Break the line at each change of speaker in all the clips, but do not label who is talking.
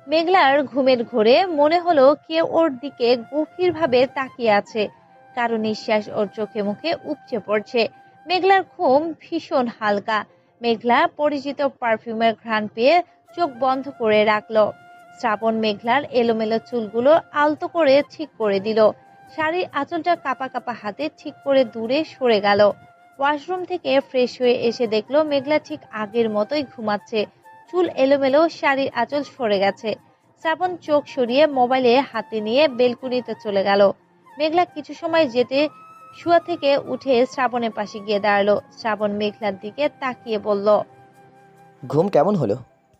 মেঘলার ঘুমের ঘোরে মনে হলো কেউ ওর দিকে গভীরভাবে তাকিয়ে আছে। কারো নিঃশ্বাস ওর চোখে মুখে উপচে পড়ছে। মেঘলার ঘুম ভীষণ হালকা। মেঘলা পরিচিত পারফিউমের ঘ্রাণ পেয়ে চোখ বন্ধ করে রাখলো। শ্রাবণ মেঘলার এলোমেলো চুলগুলো আলতো করে ঠিক করে দিল। শাড়ির আঁচলটা কাপা কাপা হাতে ঠিক করে দূরে সরে গেল। ওয়াশরুম থেকে ফ্রেশ হয়ে এসে দেখলো মেঘলা ঠিক আগের মতোই ঘুমাচ্ছে। চুল এলোমেলো, শাড়ির আঁচল সরে গেছে। শ্রাবণ চোখ সরিয়ে মোবাইলে হাতে নিয়ে বেলকুনিতে চলে গেল। মেঘলা কিছু সময় যেতে শুয়া থেকে উঠে শ্রাবণের পাশে গিয়ে দাঁড়ালো। শ্রাবণ মেঘলার দিকে তাকিয়ে বলল।
ঘুম কেমন হলো?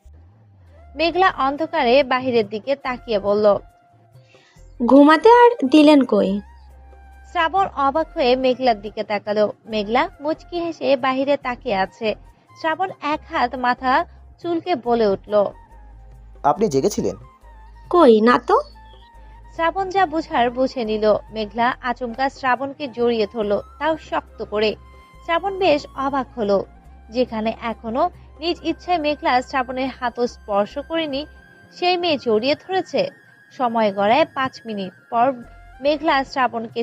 মেঘলা অন্ধকারে বাহিরের দিকে তাকিয়ে বলল।
ঘুমাতে আর দিলেন কই?
শ্রাবণ অবাক হয়ে মেঘলার দিকে তাকালো। মেঘলা মুচকি হেসে বাহিরে তাকিয়ে আছে। শ্রাবণ এক হাত মাথা চুলকে বলে উঠল।
আপনি জেগেছিলেন?
কই না তো।
শ্রাবণ যা বুঝার বুঝে নিল। মেঘলা আচমকা শ্রাবণকে জড়িয়ে ধরলো, তাও শক্ত করে। শ্রাবণ বেশ অবাক হলো। যেখানে এখনো নিজ ইচ্ছায় মেঘলা শ্রাবণের হাতও স্পর্শ করেনি, সেই মেয়ে জড়িয়ে ধরেছে। সময় গড়ায় 5 মিনিট পর মেঘলা শ্রাবণকে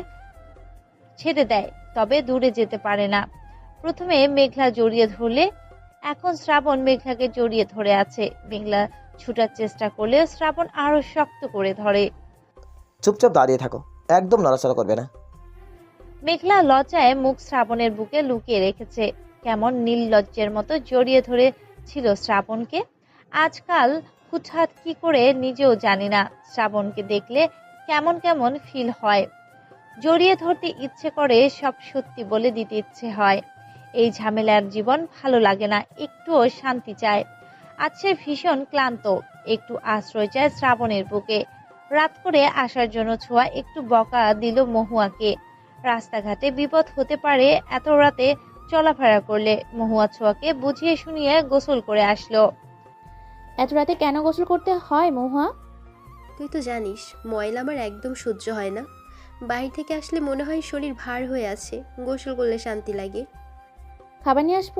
ছেড়ে দেয়, তবে দূরে যেতে পারে না। প্রথমে মেঘলা জড়িয়ে ধরলে, এখন শ্রাবণ মেঘলাকে জড়িয়ে ধরে আছে। মেঘলা ছুটার চেষ্টা করলে শ্রাবণ আরো শক্ত করে ধরে।
চুপচাপ দাঁড়িয়ে থাকো, একদম নড়াচড়া করবে না।
মেঘলা লজ্জায় মুখ শ্রাবণের বুকে লুকিয়ে রেখেছে। কেমন নির্লজ্জের মতো জড়িয়ে ধরে ছিল শ্রাবণকে। আজকাল হুটহাট কি করে নিজেও জানি না। শ্রাবণকে দেখলে কেমন কেমন ফিল হয়। জড়িয়ে ধরতে ইচ্ছে করে, সব সত্যি বলে দিতে ইচ্ছে হয়। এই ঝামেলার জীবন ভালো লাগে না, একটুও শান্তি চায়। আজ সে ভীষণ ক্লান্ত, একটু আশ্রয় চায় শ্রাবণের বুকে। রাত করে আসার জন্য ছোঁয়া একটু বকা দিল মহুয়াকে। রাস্তাঘাটে বিপদ হতে পারে এত রাতে চলাফেরা করলে। মহুয়া ছোঁয়াকে বুঝিয়ে শুনিয়ে গোসল করে আসলো।
এত রাতে কেন গোসল করতে হয় মহুয়া?
তুই তো জানিস ময়লা আমার একদম সহ্য হয় না। বাইরে থেকে আসলে মনে হয় শরীর ভার হয়ে আছে, গোসল করলে শান্তি লাগে।
খাবার নিয়ে আসবো?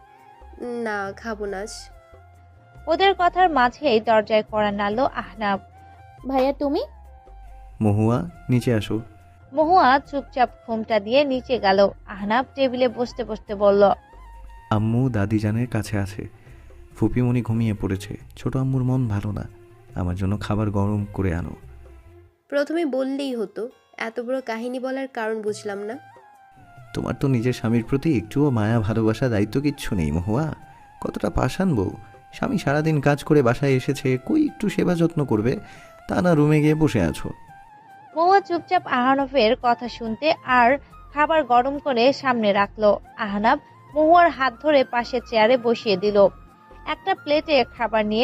না, খাবো না আজ।
ওদের কথার মাঝেই দরজায় কড়া নাড়ল আহনাব।
ভাইয়া তুমি?
মহুয়া, নিচে আসো।
মহুয়া চুপচাপ ঘুমটা দিয়ে নিচে গেল। আহনাব টেবিলে বসতে বসতে বলল।
আম্মু দাদিজানের কাছে আছে। ফুপিমণি ঘুমিয়ে পড়েছে। ছোট আম্মুর মন ভালো না। আমার জন্য খাবার গরম করে আনো।
প্রথমে বললেই হতো, এত বড় কাহিনী বলার কারণ বুঝলাম না।
তোমার তো নিজের স্বামীর প্রতি একটুও মায়া, ভালোবাসা, দায়িত্ব কিচ্ছু নেই মহুয়া। কতটা পাষাণ বউ। স্বামী সারাদিন কাজ করে বাসায় এসেছে, কই একটু সেবা যত্ন করবে? তা না, রুমে গিয়ে বসে আছো।
মহুয়া চুপচাপ আহনাফের কথা শুনতে আর খাবার গরম করে সামনে রাখলো। আহনাব মহুয়ার হাত ধরে পাশে চেয়ারে বসিয়ে দিল। একটা প্লেটে খাবার নিয়ে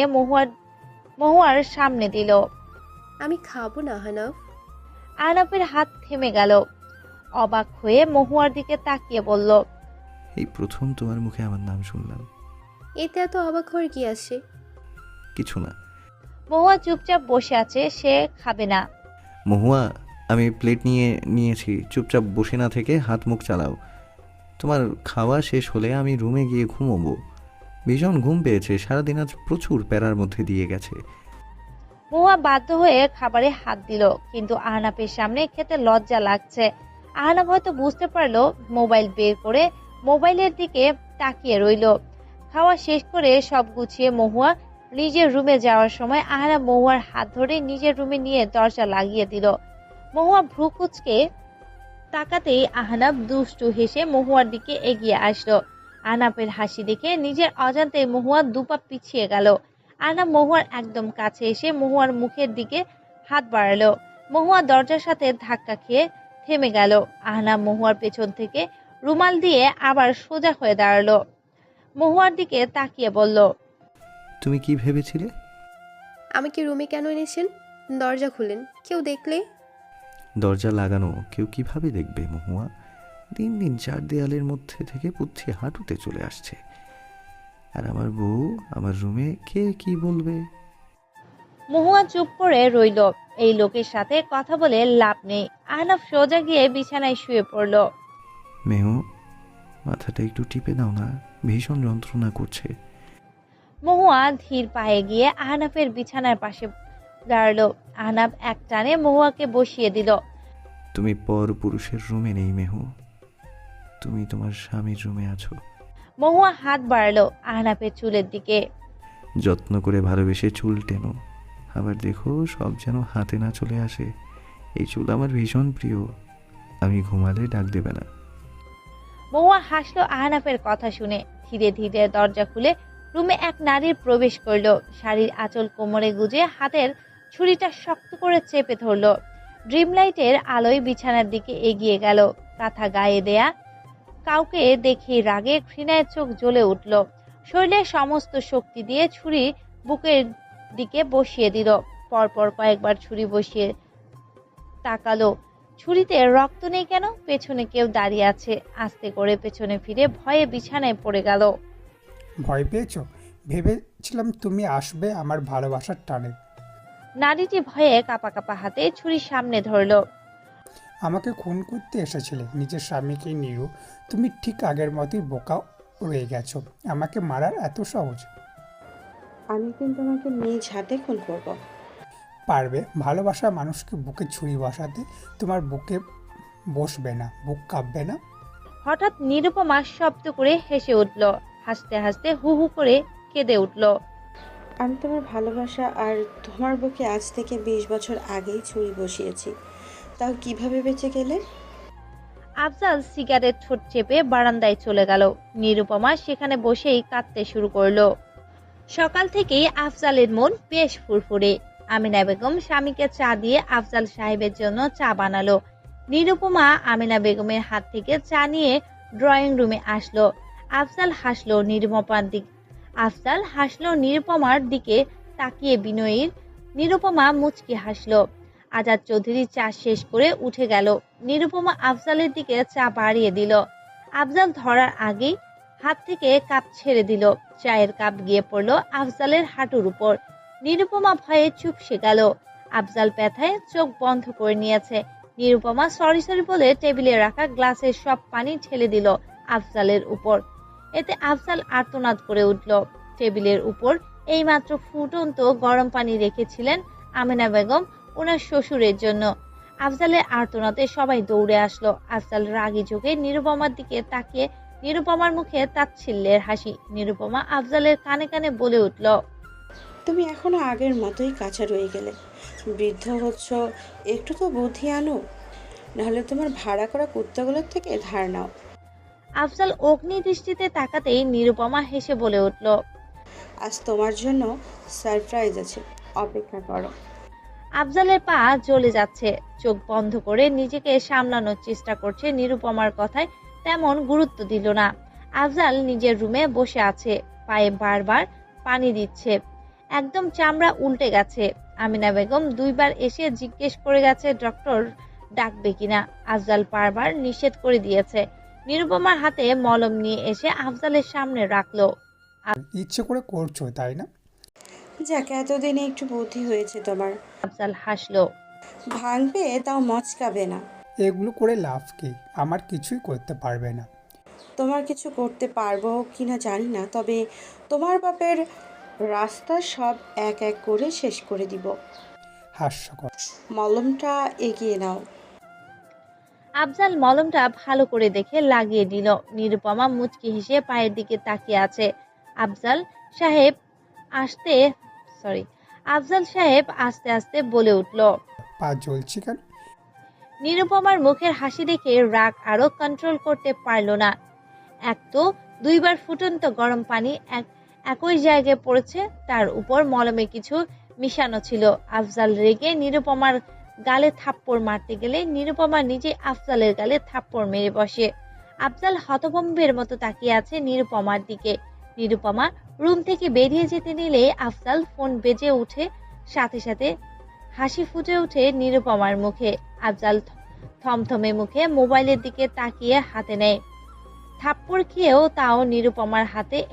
মহুয়ার সামনে দিল।
আমি খাবো না হানাফ।
আহনাফের হাত থেমে গেল। অবাক হয়ে মহুয়ার দিকে তাকিয়ে বলল।
এই প্রথম তোমার মুখে আমার নাম শুনলাম।
এতে এত অবাক হওয়ার কি আছে?
কিছু না।
মহুয়া চুপচাপ বসে আছে, সে খাবে না।
মহুয়া, আমি প্লেট নিয়েছি। চুপচাপ বসে না থেকে হাত মুখ চালাও। তোমার খাওয়া শেষ হলে আমি রুমে গিয়ে ঘুমোবো। ভীষণ ঘুম পেয়েছে, সারাদিন আজ প্রচুর প্যারার মধ্যে দিয়ে গেছে।
মহুয়া বাধ্য হয়ে খাবারে হাত দিল, কিন্তু আহনাফের সামনে খেতে লজ্জা লাগছে। আহনাফ হয়তো বুঝতে পারলো, মোবাইল বের করে মোবাইলের দিকে তাকিয়ে রইল। খাওয়া শেষ করে সব গুছিয়ে মহুয়া নিজের রুমে যাওয়ার সময় আহনাফ মহুয়ার হাত ধরে নিজের রুমে নিয়ে দরজা লাগিয়ে দিল। মহুয়া ভ্রু কুঁচকে তাকাতেই আহনাফ দুষ্টু হেসে মহুয়ার দিকে এগিয়ে আসলো। আহনাফের হাসি দেখে নিজের অজান্তে মহুয়া দুপা পিছিয়ে গেল। আহনাফ মহুয়ার একদম কাছে এসে মহুয়ার মুখের দিকে হাত বাড়ালো। মহুয়া দরজার সাথে ধাক্কা খেয়ে থেমে গেল। আহনাফ মহুয়ার পেছন থেকে রুমাল দিয়ে আবার সোজা হয়ে দাঁড়ালো। মহুয়ার দিকে তাকিয়ে বলল।
তুমি কি ভেবেছিলে?
আমাকে রুমে কেন এনেছেন? দরজা খুলেন, কেউ দেখলে।
দরজা লাগানো, কেউ কিভাবে দেখবে মহুয়া? দিন দিন চার দেয়ালের মধ্যে থেকে পুচ্ছে হাঁটুতে চলে আসছে। আর আমার বউ আমার রুমে, কে কি বলবে?
মহুয়া চুপ করে রইল। এই লোকের সাথে কথা বলে লাভ নেই। আহনাফ সোজা গিয়ে বিছানায় শুয়ে পড়ল।
মেহু, মাথাটা একটু টিপে দাও না, ভীষণ যন্ত্রণা করছে।
মহুয়া ধীর পায়ে গিয়ে আহনাফের বিছানার পাশে দাঁড়ালো। আহনাফ এক টানে মহুয়াকে বসিয়ে দিল।
তুমি পর পুরুষের রুমে নেই মেহু, তুমি তোমার স্বামীর রুমে আছো।
মহুয়া হাত বাড়ালো আহনাফের চুলের দিকে।
যত্ন করে ভালোবেসে চুল টেনো, আবার দেখো সব যেন হাতে না চলে আসে। এই চুল আমার ভীষণ প্রিয়, আমি ঘুমালে ডাক দেবে না।
মহুয়া হাসলো আহনাফের কথা শুনে। ধীরে ধীরে দরজা খুলে রুমে এক নারীর প্রবেশ করলো। শাড়ির আঁচল কোমরে গুজে হাতের ছুরিটা শক্ত করে চেপে ধরলো। ড্রিম লাইটের আলোয় বিছানার দিকে এগিয়ে গেল। কাঁথা গায়ে দেয়া কাউকে দেখে রাগে ঘৃণায় চোখ জ্বলে উঠল। শরীরের সমস্ত শক্তি দিয়ে ছুরি বুকের দিকে বসিয়ে দিল। পরপর কয়েকবার ছুরি বসিয়ে তাকালো। ছুরিতে রক্ত নেই কেন? পেছনে কেউ দাঁড়িয়ে আছে। আস্তে করে পেছনে ফিরে ভয়ে বিছানায় পড়ে গেল।
ভয় পেয়েছো? ভেবেছিলাম তুমি আসবে আমার ভালোবাসার টানে।
নারীটি ভয়ে কাঁপা কাঁপা হাতে ছুরি সামনে ধরলো।
আমাকে খুন করতে এসেছিলে নিজের স্বামীকে নিরু। তুমি ঠিক আগের মতোই বোকা রয়ে গেছো। আমাকে মারার এত সহজ?
আমি কিন্তু তোমাকে নিজ হাতে খুন করব।
পারবে? ভালোবাসা মানুষকে বুকে ছুরি বসাতে তোমার বুকে বসবে না? বুক কাঁপবে না?
হঠাৎ নিরুপমা শব্দ করে হেসে উঠল। হাসতে হাসতে হু হু করে কেঁদে উঠল।
আমি তোমার ভালোবাসা আর তোমার বুকে আজ থেকে 20 বছর আগেই ছুরি বসিয়েছি, তাও কিভাবে বেঁচে গেলে?
আফজাল সিগারেট ঠোঁট চেপে বারান্দায় চলে গেল। নিরুপমা সেখানে বসেই কাঁদতে শুরু করলো। সকাল থেকেই আফজালের মন বেশ ফুরফুরে। আমিনা বেগম স্বামীকে চা দিয়ে আফজাল সাহেবের জন্য চা বানালো। নিরুপমা আমিনা বেগমের হাত থেকে চা নিয়ে ড্রয়িং রুমে আসলো। আফজাল হাসলো নিরুপমার দিকে তাকিয়ে বিনয়ীর। নিরুপমা মুচকি হাসলো। আজাদ চৌধুরী চা শেষ করে উঠে গেল। নিরুপমা আফজালের দিকে চা বাড়িয়ে দিল। আফজাল ধরার আগেই হাত থেকে কাপ ছেড়ে দিল। চায়ের কাপ গিয়ে পড়ল আফজালের হাঁটুর উপর। নিরুপমা ভয়ে চুপসে গেল। আফজাল ব্যথায় চোখ বন্ধ করে নিয়েছে। নিরুপমা সরি বলে টেবিলে রাখা গ্লাসের সব পানি ঢেলে দিল আফজালের উপর। এতে আফজাল আর্তনাদ করে উঠল। টেবিলের উপর এইমাত্র ফুটন্ত গরম পানি রেখেছিলেন আমিনা বেগম ওনার শ্বশুরের জন্য। আফজালের আর্তনাদে সবাই দৌড়ে আসলো। আফজাল রাগী চোখে নিরুপমার দিকে তাকিয়ে নিরুপমার মুখে তাচ্ছিল্যের হাসি। নিরুপমা আফজালের কানে কানে বলে উঠল,
তুমি এখনো আগের মতোই কাঁচা রয়ে গেলে। বৃদ্ধ হচ্ছ, একটু তো বুদ্ধি আনো, নাহলে তোমার ভাড়া করা কুত্তাগুলোর থেকে ধার নাও।
আফজাল অগ্নি দৃষ্টিতে তাকাতেই নিরুপমা হেসে বলে উঠল,
আজ তোমার জন্য সারপ্রাইজ আছে, অপেক্ষা করো।
আফজালের পা জ্বলে যাচ্ছে। চোখ বন্ধ করে নিজেকে সামলানোর চেষ্টা করছে। নিরুপমার কথায় তেমন গুরুত্ব দিল না। আফজাল নিজের রুমে বসে আছে, পায়ে বারবার পানি দিচ্ছে। একদম চামড়া উল্টে গেছে। আমিনা বেগম 2 বার এসে জিজ্ঞেস করে গেছে ডক্টর ডাকবে কিনা। আফজাল বারবার নিষেধ করে দিয়েছে। নিরুপমার হাতে মলম নিয়ে এসে আফজালের সামনে রাখলো।
ইচ্ছে করে করছো তাই না?
যাক, এতদিনে একটু বুদ্ধি হয়েছে তোমার।
আফজাল হাসলো।
ভাঙবে তাও মচকাবে না।
এগুলো করে লাভ কি? আমার কিছুই করতে পারবে না।
তোমার কিছু করতে পারবো কিনা জানি না, তবে তোমার বাপের রাস্তা সব এক এক করে শেষ করে দিব।
হাস্যকর।
মলমটা এগিয়ে নাও।
আফজাল মলমটা ভালো করে দেখে লাগিয়ে দিল। নিরুপমা মুচকি হেসে পায়ের দিকে তাকিয়ে আছে। আফজাল সাহেব আস্তে আস্তে বলে উঠল,
পা জ্বলছে কেন?
নিরুপমার মুখের হাসি দেখে রাগ আরো কন্ট্রোল করতে পারল না। এক তো 2 বার ফুটন্ত গরম পানি একই জায়গায় পড়েছে, তার উপর মলমে কিছু মিশানো ছিল। আফজাল রেগে নিরুপমার গালে থাপ্পড় মারতে গেলে নিরুপমা নিজে আফজালের গালে থাপ্পড় মেরে বসে। আফজাল হতভম্বের মতো তাকিয়ে আছে নিরুপমার দিকে। নিরুপমা রুম থেকে বেরিয়ে যেতে নিলে আফজাল ফোন বেজে উঠে, সাথে সাথে হাসি ফুটে ওঠে নিরুপমার মুখে। আফজাল থমথমে মুখে মোবাইলের দিকে তাকিয়ে হাতে নেয়। থাপ্পড় খেয়েও তাও নিরুপমার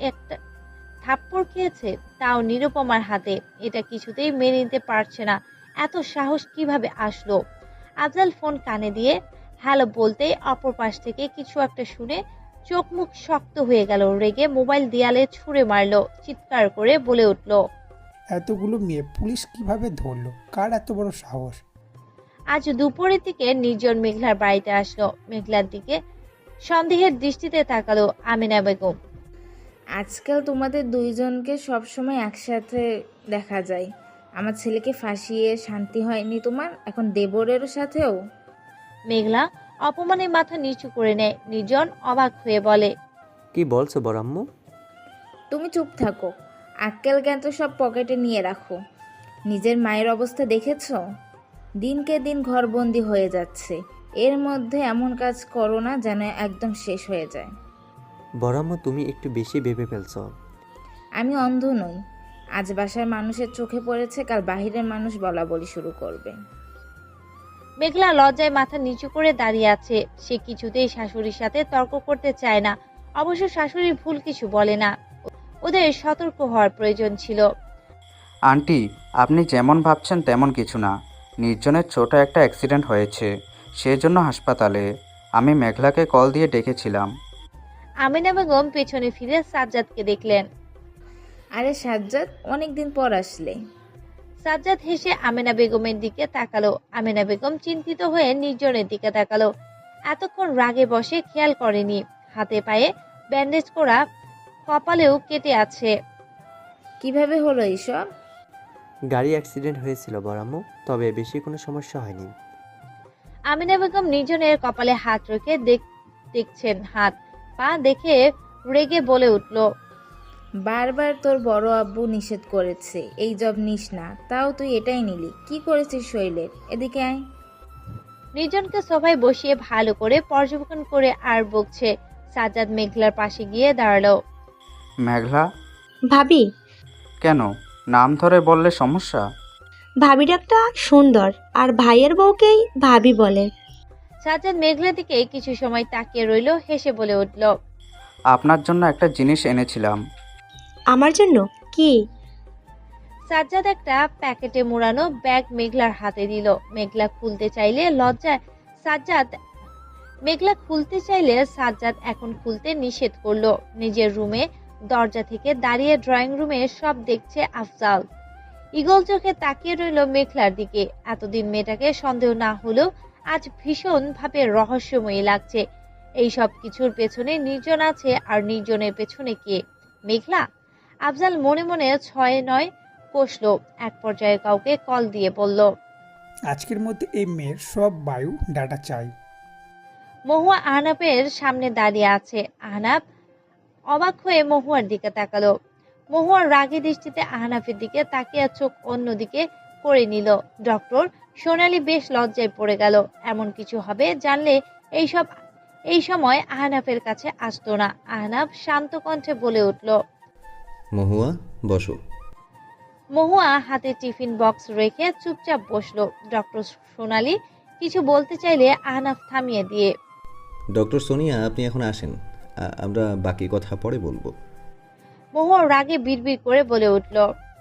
হাতে। এটা কিছুতেই মেনে নিতে পারছে না। এত সাহস কিভাবে আসলো? আফজাল ফোন কানে দিয়ে হ্যালো বলতেই অপর পাশ থেকে কিছু একটা শুনে চোখ মুখ শক্ত হয়ে গেল, রেগে মোবাইল দেয়ালে ছুঁড়ে মারলো, চিৎকার করে বলে উঠল,
এতগুলো মেয়ে পুলিশ কিভাবে ধরলো? কার এত বড় সাহস?
আজ দুপুরের দিকে নির্জন মেঘলার বাড়িতে আসলো। মেঘলার দিকে সন্দেহের দৃষ্টিতে তাকালো আমিনা বেগম।
আজকাল তোমাদের দুইজনকে সবসময় একসাথে দেখা যায়। আমার ছেলেকে ফাঁসিয়ে শান্তি হয়নি তোমার, এখন দেবরেরও সাথেও?
মেঘলা অপমানে মাথা নিচু করে নেয়। নির্জন অবাক হয়ে বলে,
কি বলছো বড়াম্মু?
তুমি চুপ থাকো, আক্কেল জ্ঞান তো সব পকেটে নিয়ে রাখো। নিজের মায়ের অবস্থা দেখেছো? দিনকে দিন ঘরবন্দি হয়ে যাচ্ছে, এর মধ্যে এমন কাজ করো না যেন একদম শেষ হয়ে যায়।
বড়াম্মু তুমি একটু বেশি ভেবে ফেলছো।
আমি অন্ধ নই, আজ বাসার মানুষের চোখে পড়েছে, কাল বাহিরের মানুষ বলা বলি শুরু করবে।
মেঘলা লজ্জায় মাথা নিচু করে দাঁড়িয়ে আছে। সে কিছুতেই শাশুড়ির সাথে তর্ক করতে চায় না, অবশ্য শাশুড়ির ভুল কিছু বলে না। ওদের সতর্ক হওয়ার প্রয়োজন ছিল।
আন্টি, আপনি যেমন ভাবছেন তেমন কিছু না। নির্জনের ছোট একটা অ্যাক্সিডেন্ট হয়েছে, সেজন্য হাসপাতালে। আমি মেঘলাকে কল দিয়ে ডেকেছিলাম।
আমিনা বেগম পেছনে ফিরে সাজ্জাদকে দেখলেন।
আরে সাজ্জাদ, অনেকদিন পর আসলে।
সাজ্জাদ হেসে আমিনা বেগমের দিকে তাকালো। আমিনা বেগম চিন্তিত হয়ে নির্জনের দিকে তাকালো। এতক্ষণ রাগে বসে খেয়াল করেনি, হাতে পায়ে ব্যান্ডেজ করা, কপালেও কেটে আছে।
কিভাবে হলো এইসব?
গাড়ি অ্যাক্সিডেন্ট হয়েছিল বড়াম্মু, তবে বেশি কোনো সমস্যা হয়নি।
আমিনা বেগম নির্জনের কপালে হাত রেখে দেখছেন। হাত পা দেখে রেগে বলে উঠল,
বারবার তোর বড় আব্বু নিষেধ করেছে এই জব নিস না, তাও তুই এটাই নিলি। কি করেছিস শৈলের? এদিকে আয়।
নির্জনকে সবাই বসিয়ে ভালো করে পর্যবেক্ষণ করে আর বকছে। সাজ্জাদ মেঘলার পাশে গিয়ে দাঁড়ালো।
মেঘলা?
ভাবি।
কেন, নাম ধরে বললে সমস্যা?
ভাবি ডাকটা সুন্দর, আর ভাইয়ের বউকেই ভাবি বলে।
সাজ্জাদ মেঘলার দিকে কিছু সময় তাকিয়ে রইল, হেসে বলে উঠল,
আপনার জন্য একটা জিনিস এনেছিলাম।
আমার জন্য? কি?
সাজ্জাদ একটা প্যাকেটে মোড়ানো ব্যাগ মেঘলার হাতে দিল। মেঘলা খুলতে চাইলে সাজ্জাদ এখন খুলতে নিষেধ করলো। নিজের রুমে দরজা থেকে দাঁড়িয়ে ড্রয়িং রুমে সব দেখছে আফজাল। ঈগল চোখে তাকিয়ে রইল মেঘলার দিকে। এতদিন মেয়েটাকে সন্দেহ না হলেও আজ ভীষণ ভাবে রহস্যময়ী লাগছে। এই সব কিছুর পেছনে নির্জন আছে, আর নির্জনের পেছনে কে? মেঘলা? আফজাল মনে মনে 6-9 কষল। এক পর্যায়ে কাউকে কল দিয়ে বলল,
আজকের মধ্যে এই মেয়ের সব বায়ু ডাটা চাই।
মহুয়া আহনাফের সামনে দাঁড়িয়ে আছে। আহনাফ অবাক হয়ে মহুয়ার দিকে তাকালো। মহুয়ার রাগী দৃষ্টিতে আহনাফের দিকে তাকিয়ে চোখ অন্যদিকে করে নিল। ডক্টর সোনালি বেশ লজ্জায় পড়ে গেল। এমন কিছু হবে জানলে এই সময় আহনাফের কাছে আসতো না। আহনাফ শান্ত কণ্ঠে বলে উঠল,
মহুয়া বসো।
মহুয়া হাতে টিফিন বক্স রেখে চুপচাপ বসলো। ডক্টর সোনালি কিছু বলতে চাইলে আহনাফ থামিয়ে দিয়ে,
ডক্টর সোনিয়া, আপনি এখন আসেন, আমরা বাকি কথা পরে বলবো।
মহুয়া রাগে বিড়বিড় করে বলে উঠল,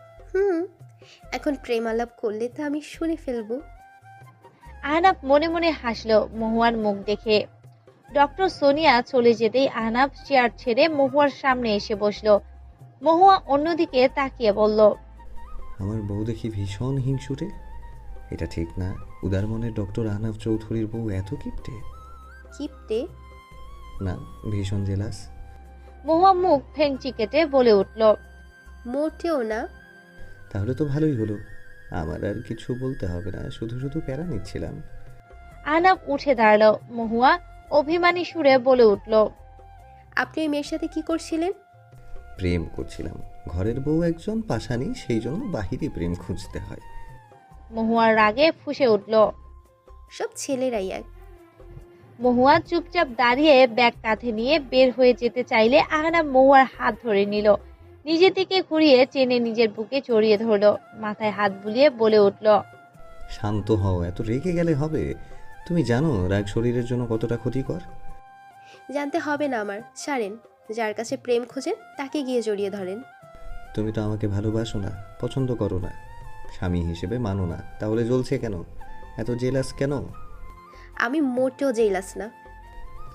এখন প্রেম আলাপ করলে তো আমি শুনে ফেলবো।
আহনাফ মনে মনে হাসলো মহুয়ার মুখ দেখে। ডক্টর সোনিয়া চলে যেতেই আহনাফ চেয়ার ছেড়ে মহুয়ার সামনে এসে বসলো। মহুয়া অন্যদিকে তাকিয়ে বলল,
আমার বউ দেখি ভীষণ হিংসুটে। এটা ঠিক না, উদার মনের ডক্টর আহনাফ চৌধুরীর বউ এত কিপটে?
কিপটে
না, ভীষণ জেলাস।
মহুয়া মুখ ফেংচি কেটে বলে উঠল,
মোটেও না।
তাহলে তো ভালোই হলো, আমার আর কিছু বলতে হবে না, শুধু শুধু প্যারা নিচ্ছিলাম।
আহনাফ উঠে দাঁড়ালো। মহুয়া অভিমানী সুরে বলে উঠল,
আপনি ওই মেয়ের সাথে কি করছিলেন?
প্রেম করছিলাম। ঘরের বউ একজন পাশানি, সেই জন্য বাহিরে প্রেম খুঁজতে হয়।
মহুয়ার রাগে ফুঁসে উঠল।
সব ছেলেরাই এক।
মহুয়া চুপচাপ দাঁড়িয়ে ব্যাগ কাঁধে নিয়ে বের হয়ে যেতে চাইলে আহনাফ মহুয়ার হাত ধরে নিল। নিজের দিকে ঘুরিয়ে চেনে নিজের বুকে জড়িয়ে ধরলো। মাথায় হাত বুলিয়ে বলে উঠল,
শান্ত হও, এত রেগে গেলে হবে? তুমি জানো রাগ শরীরের জন্য কতটা ক্ষতিকর?
জানতে হবে না আমার, ছাড়েন। যার কাছে প্রেম খোঁজেন তাকে গিয়ে জড়িয়ে ধরেন।
তুমি তো আমাকে ভালোবাসো না, পছন্দ করো না, স্বামী হিসেবে মানো না, তাহলে জ্বলছে কেন? এত জেলাস কেন?
আমি মোটেও জেলাস না।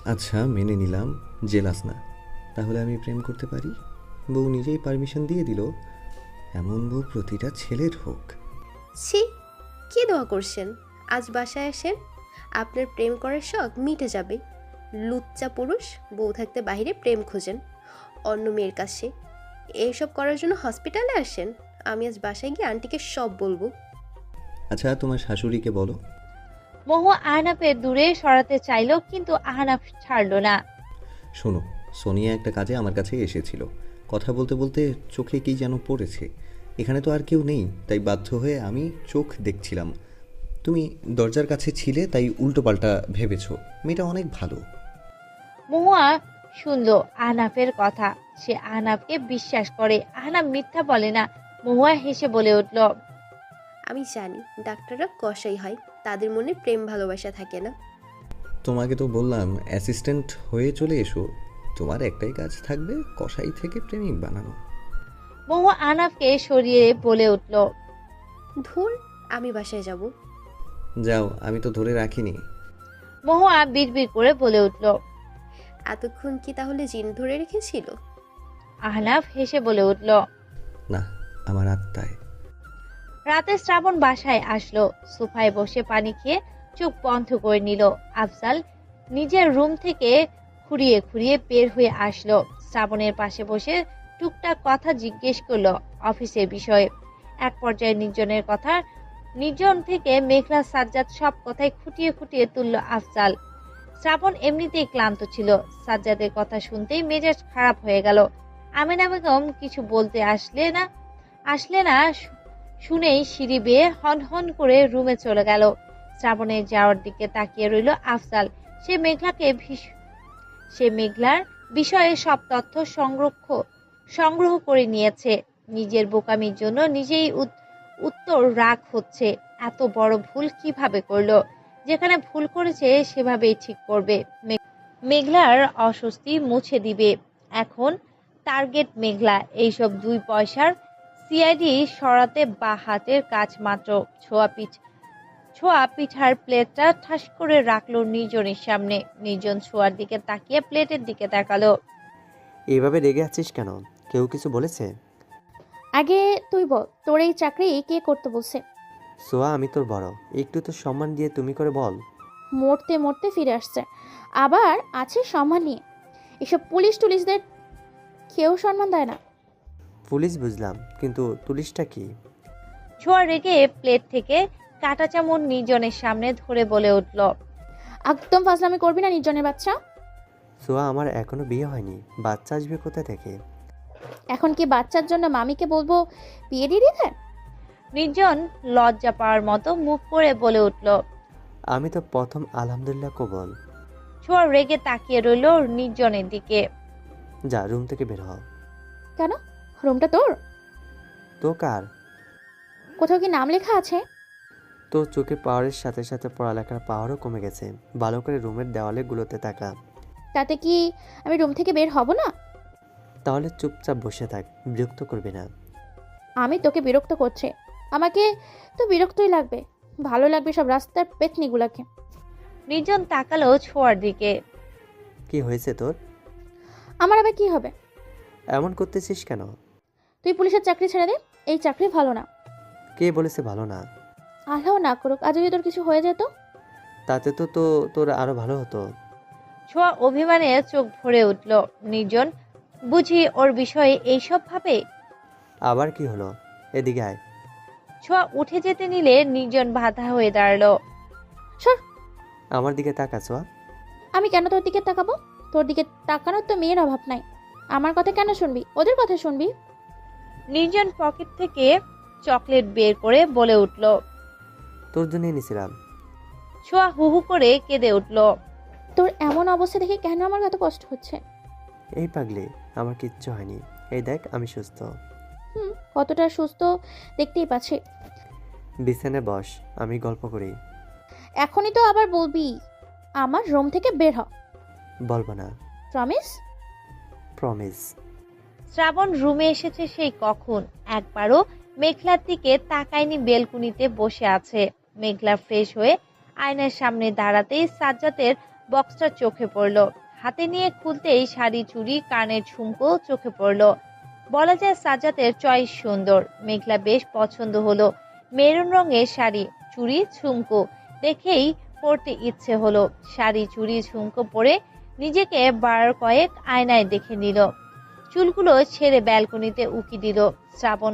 আচ্ছা মেনে নিলাম, জেলাস না। তাহলে আমি প্রেম করতে পারি? বউ নিজেই পারমিশন দিয়ে দিল। এমন বউ প্রতিটা ছেলের হোক।
ছি, কি দোয়া করছেন? আজ বাসায় আসেন, আপনার প্রেম করার শখ মিটে যাবে। লুচ্চা পুরুষ, বউ থাকতে বাইরে প্রেম খোঁজেন অন্য মেয়ের কাছে। এইসব করার জন্য হসপিটালে আসেন। আমি আজ বাসায় গিয়ে আন্টিকে সব বলবো।
আচ্ছা তোমার শাশুড়িকে বলো।
মহুয়া আহনাফের দূরে সরাতে চাইল, কিন্তু আহনাফ ছাড়ল না।
শোনো, সোনিয়া একটা কাজে আমার কাছে এসেছিল। কথা বলতে বলতে চোখে কি যেন পড়েছে। এখানে তো আর কেউ নেই, তাই বাধ্য হয়ে আমি চোখ দেখছিলাম। তুমি দরজার কাছে ছিলে, তাই উল্টোপাল্টা ভেবেছো। মেয়েটা অনেক ভালো।
মহুয়া শুনল আহনাফের কথা। সে আহনাফকে বিশ্বাস করে। আহনাফ মিথ্যা বলে না। মহুয়া হেসে বলে উঠল,
আমি জানি ডাক্তাররা কসাই হয়, তাদের মনে প্রেম ভালোবাসা থাকে না।
তোমাকে তো বললাম অ্যাসিস্ট্যান্ট হয়ে চলে এসো। তোমার একটাই কাজ থাকবে, কসাই থেকে প্রেমিক বানানো।
মহুয়া আহনাফকে সরিয়ে বলে উঠল,
ধুর, আমি বাসায় যাব।
যাও, আমি তো ধরে রাখিনি।
মহুয়া বিড়বিড় করে বলে উঠল।
এতক্ষণ কি তাহলে জিন ধরে রেখেছিল?
আহনাফ হেসে বলে উঠল।
না, আমার আত্মায়।
রাতে শ্রাবণ বাসায় আসলো। সোফায় বসে পানি খেয়ে চোখ বন্ধ করে নিল। আফজাল নিজের রুম থেকে খুঁড়িয়ে খুঁড়িয়ে বের হয়ে আসলো। শ্রাবণের পাশে বসে টুকটাক কথা জিজ্ঞেস করলো অফিসের বিষয়ে। এক পর্যায়ে নির্জন থেকে মেঘলা সাজ্জাদ সব কথাই খুঁটিয়ে খুঁটিয়ে তুলল আফজাল। শ্রাবণ এমনিতেই ক্লান্ত ছিল। সাজ্জাদের কথা শুনতেই মেজাজ খারাপ হয়ে গেল। আমিনা বেগম কিছু বলতে আসলে না শুনেই সিঁড়ি বেয়ে হন হন করে রুমে চলে গেল। শ্রাবণের যাওয়ার দিকে তাকিয়ে রইল আফজাল। সে মেঘলার বিষয়ে সব তথ্য সংগ্রহ করে নিয়েছে। নিজের বোকামির জন্য নিজেই উত্তর রাগ হচ্ছে। এত বড় ভুল কিভাবে করলো? যেখানে ভুল করেছে সেভাবেই ঠিক করবে। মেঘলার অস্বস্তি মুছে দিবে। এখন টার্গেট মেঘলা। এইসব 2 পয়সার সিআইডি সরাতে বা হাতের কাজ মাত্র। ছোঁয়া পিঠার প্লেটটা ঠাস করে রাখলো নির্জনের সামনে। নির্জন ছোঁয়ার দিকে তাকিয়ে প্লেটের দিকে তাকালো।
এইভাবে রেগে আছিস কেন? কেউ কিছু বলেছে?
আগে তুই বল, তোর এই চাকরি কে করতে বলছে?
সোয়া, আমি তোর বড়, একটু তো সম্মান দিয়ে তুমি করে বল।
মরতে মরতে ফিরে আসছে, আবার আছে সম্মান নিয়ে। এসব পুলিশ টুলিশদের কেউ সম্মান দেয় না।
পুলিশ বুঝলাম, কিন্তু পুলিশটা কি?
ছোঁয়া রেগে প্লেট থেকে কাঁটা চামচ নির্জনের সামনে ধরে বলে উঠল,
একদম ফাজলামি করবি না নির্জনের বাচ্চা।
সোয়া, আমার এখনো বিয়ে হয়নি, বাচ্চা আসবে কোথা থেকে?
এখন কি বাচ্চার জন্য মামিকে বলবো বিয়ে দিয়ে দিতে?
নির্জন লজ্জা পাওয়ার মতো মুখ করে বলে উঠল।
আমি তো প্রথম আলহামদুলিল্লাহ কবল।
ছোঁয়া রেগে তাকিয়ে রইল নির্জনের দিকে।
যা, রুম থেকে বের হ।
কেন? রুমটা তোর?
তো কার?
কোথাও কি নাম লেখা আছে?
তোর চোখে পাওয়ারের সাথে সাথে পড়ালেখার পাওয়ারও কমে গেছে। ভালো করে রুমের দেওয়ালে গুলোতে তাকা।
তাতে কি আমি রুম থেকে বের হব না?
তাহলে চুপচাপ বসে থাক, বিরক্ত করবি না।
আমি তোকে বিরক্ত করছে? আমাকে তো বিরক্তই লাগবে। ভালো লাগবে সব রাস্তার পেতনিগুলাকে।
নির্জন তাকালো ছোঁয়ার দিকে।
কি হয়েছে তোর?
আমার আবার কি হবে?
এমন করতেছিস কেন?
তুই পুলিশের চাকরি ছেড়ে দে, এই চাকরি ভালো না।
কে বলেছে ভালো না?
আল্লাহ না করুক, আজ যদি তোর কিছু হয়ে যেত।
তাতে তো তোর আরো ভালো হতো।
ছোঁয়া অভিমানে চোখ ভরে উঠল। নির্জন বুঝি ওর বিষয়ে এইসব ভাবে?
আবার কি হলো? এদিকে আয়।
ছোঁয়া উঠে যেতে নিলে নির্জন বাধা হয়ে দাঁড়ালো।
সর।
আমার দিকে তাকা সোয়া।
আমি কেন তোর দিকে তাকাবো? তোর দিকে তাকানোর তো মেয়ের অভাব নাই। আমার কথা কেন শুনবি? ওদের কথা শুনবি।
নির্জন পকেট থেকে চকলেট বের করে বলে উঠল।
তোর জন্যই নিছিলাম।
ছোঁয়া হু হু করে কেঁদে উঠল।
তোর এমন অবস্থা দেখে কেন আমার এত কষ্ট হচ্ছে?
এই পাগলি, আমার কিচ্ছু হয়নি। এই দেখ, আমি সুস্থ।
কতটা সুস্থ দেখতেই পাচ্ছি।
বিছানায় বস, আমি গল্প করি।
এখনই তো আবার বলবি আমার রুম থেকে বের হ?
বলবো না।
প্রমিস?
প্রমিস।
শ্রাবণ রুমে এসেছে সেই কখন। একবারও মেঘলার দিকে তাকায়নি। বেলকুনিতে বসে আছে। মেঘলা ফ্রেশ হয়ে আয়নার সামনে দাঁড়াতেই সাজ্জাদের বক্সটা চোখে পড়ল। হাতে নিয়ে খুলতেই শাড়ি, চুড়ি, কানের ঝুমকো চোখে পড়ল। বলা যায় সাজ্জাদের চয়েস সুন্দর। মেঘলা বেশ পছন্দ হলো। মেরুন রঙের শাড়ি, চুড়ি, ঝুমকো দেখেই পরতে ইচ্ছে হলো। শাড়ি, চুড়ি, ঝুমকো পরে নিজেকে বার কয়েক আয়নায় দেখে নিল। চুলগুলো ছেড়ে ব্যালকনিতে উকি দিল। শ্রাবণ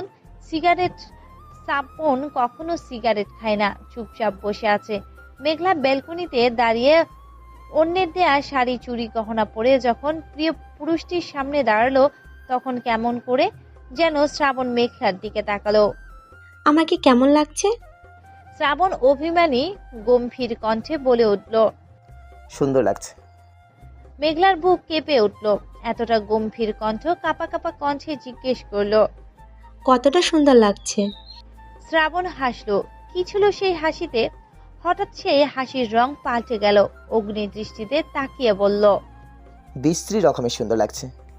কখনো সিগারেট খায় না, চুপচাপ বসে আছে। মেঘলা ব্যালকনিতে দাঁড়িয়ে অন্যের দেয়া শাড়ি, চুড়ি, গহনা পরে যখন প্রিয় পুরুষটির সামনে দাঁড়ালো, তখন কেমন করে যেন শ্রাবণ মেঘলার দিকে তাকালো।
আমাকে কেমন লাগছে?
শ্রাবণ অভিমানী গম্ভীর কণ্ঠে বলে উঠল।
সুন্দর লাগছে।
মেঘলার বুক কেঁপে উঠল। এতটা গম্ভীর কণ্ঠ কাঁপা কাঁপা কণ্ঠে জিজ্ঞেস করলো,
কতটা সুন্দর লাগছে?
শ্রাবণ হাসলো। কি ছিল সেই হাসিতে? হঠাৎ সেই হাসির রং পাল্টে গেল। অগ্নি দৃষ্টিতে তাকিয়ে বলল,
বিশ্রী রকমের সুন্দর লাগছে।